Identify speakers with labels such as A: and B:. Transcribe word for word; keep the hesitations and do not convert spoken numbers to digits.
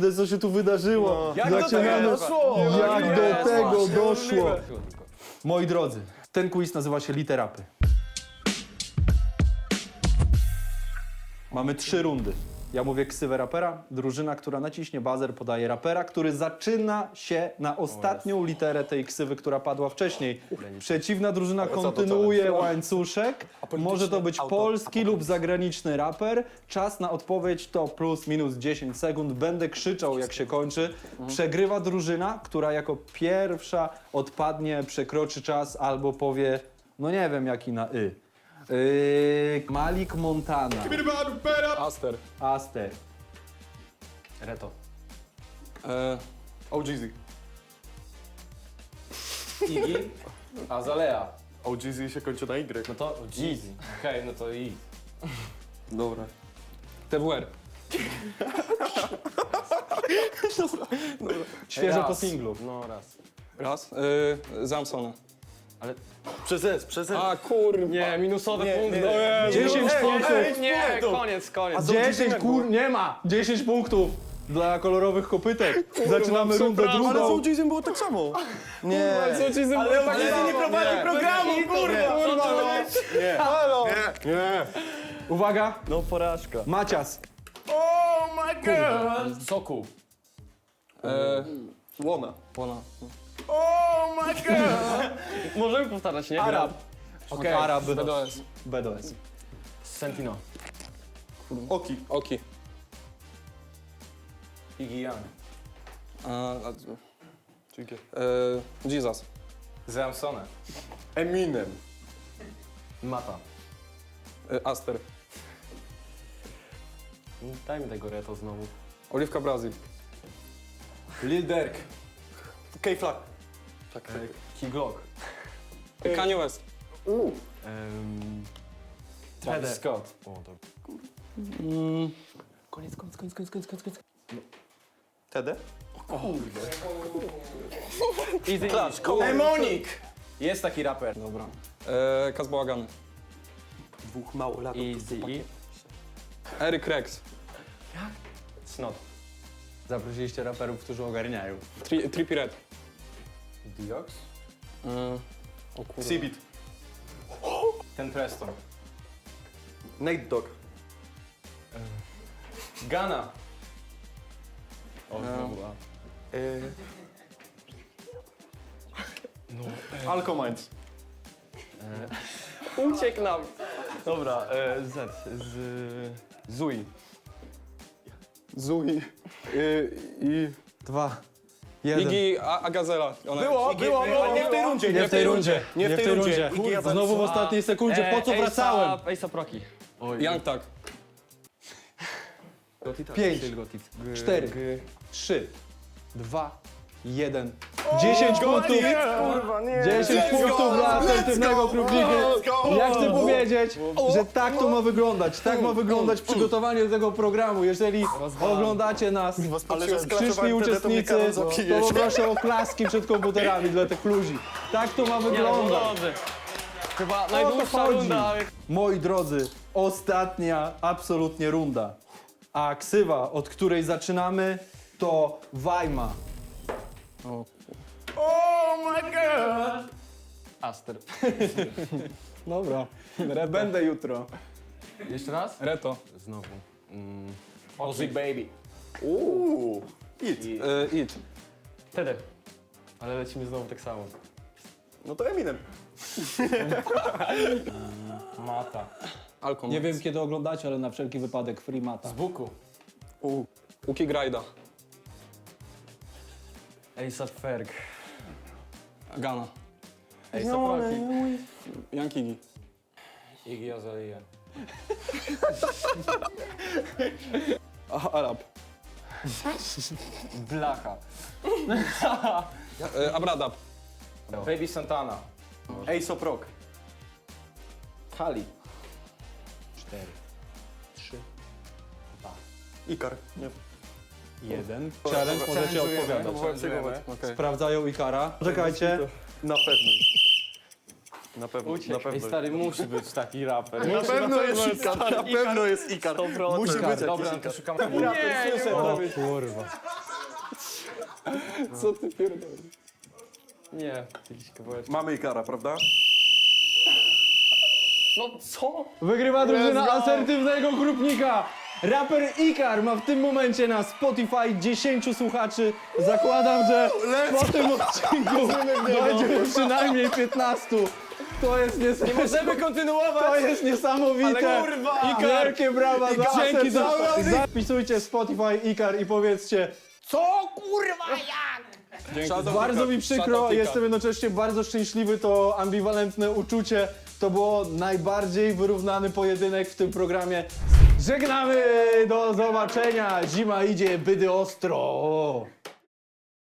A: kurde, co się tu wydarzyło?
B: Jak do
A: Zaczynamy...
B: tego doszło?
A: Jak do tego doszło?
B: Możliwe.
A: Moi drodzy, ten quiz nazywa się Literapy. Mamy trzy rundy. Ja mówię ksywę rapera, drużyna, która naciśnie buzzer, podaje rapera, który zaczyna się na ostatnią literę tej ksywy, która padła wcześniej. Przeciwna drużyna kontynuuje łańcuszek. Może to być polski lub zagraniczny raper. Czas na odpowiedź to plus minus dziesięć sekund. Będę krzyczał, jak się kończy. Przegrywa drużyna, która jako pierwsza odpadnie, przekroczy czas albo powie, no nie wiem, jaki na y. Yy, Malik Montana.
C: Aster.
A: Aster.
B: Reto.
C: E,
B: O G Z.
D: Iggy, Azalea.
B: O G Z się kończy na Y.
D: No to Jeezy. Okej, no to I.
B: Dobra.
C: T W R.
A: Świeżo po
D: Raz.
A: singlu.
D: No raz.
C: Raz. E, Zamsona.
B: Przez S, przez S.
C: A kurwa.
D: Nie, minusowe
B: Nie,
D: punkty.
B: nie,
D: No
B: nie.
D: Jezu.
A: dziesięć
B: Ej,
A: punktów.
B: ej,
D: Nie,
B: punktów.
D: koniec, koniec.
A: dziesięć kur... Nie ma! dziesięć punktów dla kolorowych kopytek. Zaczynamy rundę
C: przepraszam,
B: Ale z O
A: drugą.
B: G Z było tak samo.
A: Nie.
C: Co ci z
B: Ale O G Z nie prowadzi programu, kurwa! Nie. Halo! Nie. Nie.
A: Uwaga,
B: No porażka.
A: Macias.
D: Sokół.
C: E,
B: Łona.
C: Łona.
D: Możemy powtarzać, nie?
A: Arab. Okej. Arab.
C: B D S.
A: B D S.
D: Sentino.
B: Oki.
C: Oki.
D: Iggy Young.
C: A, a,
B: Dzięki.
C: e, Jesus.
D: Zamsone.
B: Eminem.
D: Mata.
C: E, Aster.
D: Daj mi tego Reto znowu.
C: Oliwka Brazil.
D: Lil Durk.
B: K-Flag.
D: Key Glock.
C: Kanye West.
D: Um,
A: Travis
D: Travis Scott. O, to...
A: Koniec, koniec, koniec, koniec, koniec, koniec.
B: T D?
D: Easy
B: Clash.
D: Easy.
B: Demonik!
D: Jest taki raper.
C: Dobra. E, Kaz Bałagany.
B: Dwóch małolatów.
D: Easy E.
C: Eric Rex.
D: Snot.
A: Zaprosiliście raperów, którzy ogarniają.
C: Tri, Trippie Red.
D: Diox.
C: E, o kurwa.
B: Cbit.
D: Ten Preston.
B: Nate Dogg.
D: Gana. O,
C: No.
D: znowu A.
B: Alcominds.
D: Uciekł nam. Dobra, e, Z. Z... Zui.
B: Zui. Y, I...
A: Dwa. Jeden.
C: Iggy A- Agazela. Ona
B: Było, było, było. Nie w tej rundzie.
A: Nie w tej rundzie.
B: Nie w tej rundzie.
A: Kurde, Znowu w ostatniej sekundzie. Po co
D: E,
A: wracałem?
D: A$ap- A$ap Rocky.
C: Young Tag.
A: Pięć. Cztery. Trzy. Dwa. Jeden. Dziesięć punktów.
B: Kurwa, nie.
A: dziesięć punktów dla asertywnego klubniki. Ja chcę powiedzieć, że tak to ma wyglądać. Tak ma wyglądać przygotowanie do tego programu. Jeżeli oglądacie nas,
B: Ale że
A: przyszli
B: sklaczowałem
A: uczestnicy,
B: wtedy, to
A: to
B: mnie karą zabijesz.
A: poproszę o klaski przed komputerami dla tych ludzi. Tak to ma
D: Nie, no
A: wyglądać.
D: dobrze. Chyba
A: O to
D: najdłuższa
A: chodzi.
D: runda, ale...
A: Moi drodzy, ostatnia absolutnie runda. A ksywa, od której zaczynamy, to Wajma.
C: O,
D: Aster.
A: Dobra, będę jutro.
D: Jeszcze raz?
C: Reto.
D: Znowu. Mm. Ozzy Baby.
B: Uuu. It.
D: I...
C: E, It.
D: Wtedy. Ale lecimy znowu tak samo.
B: No to Eminem.
D: Mata.
C: Alcon.
A: Nie wiem kiedy oglądacie, ale na wszelki wypadek free mata.
D: Z buku.
C: U. Uki Grajda.
D: A$ap Ferg.
C: Gana.
D: A$ap Rocky.
C: Young Iggy.
D: Iggy Azalea.
C: A- Arab.
D: Blacha.
C: E, Abradab.
D: Baby Santana.
B: A$ap Rock.
D: Kali.
A: Cztery, trzy,
B: Ikar. Nie.
A: jeden. Challenge, możecie odpowiadać.
D: Challenge'ujemy.
C: Okej.
A: Sprawdzają Ikara. Czekajcie.
B: Na pewno. Na pewno, na
D: Uciekł. Ej,
B: pewno.
D: stary, musi być taki raper.
B: Na pewno jest Ikar, na pewno jest Ikar. Musi być
D: Dobra,
B: jakiś
D: to
B: Ikar.
D: szukam...
B: Nie,
A: O kurwa.
C: Co ty pierdolisz?
D: Nie, jakiś kawałek.
B: Mamy Ikara, prawda?
D: No co?
A: Wygrywa drużyna
B: Let's go.
A: asertywnego grupnika. Raper Ikar ma w tym momencie na Spotify dziesięciu słuchaczy. Zakładam, że po tym odcinku dojdzie do przynajmniej piętnastu. To jest niesamowite.
D: Możemy kontynuować!
A: To jest niesamowite.
D: Ale kurwa!
A: Ikar, wielkie brawa za
C: Dzięki za
A: asertywność. Zapisujcie Spotify Ikar i powiedzcie, co kurwa jak?
C: Dzięki.
A: Bardzo mi przykro, jestem jednocześnie bardzo szczęśliwy, to ambiwalentne uczucie. To było najbardziej wyrównany pojedynek w tym programie. Żegnamy, do zobaczenia, zima idzie, bydy ostro.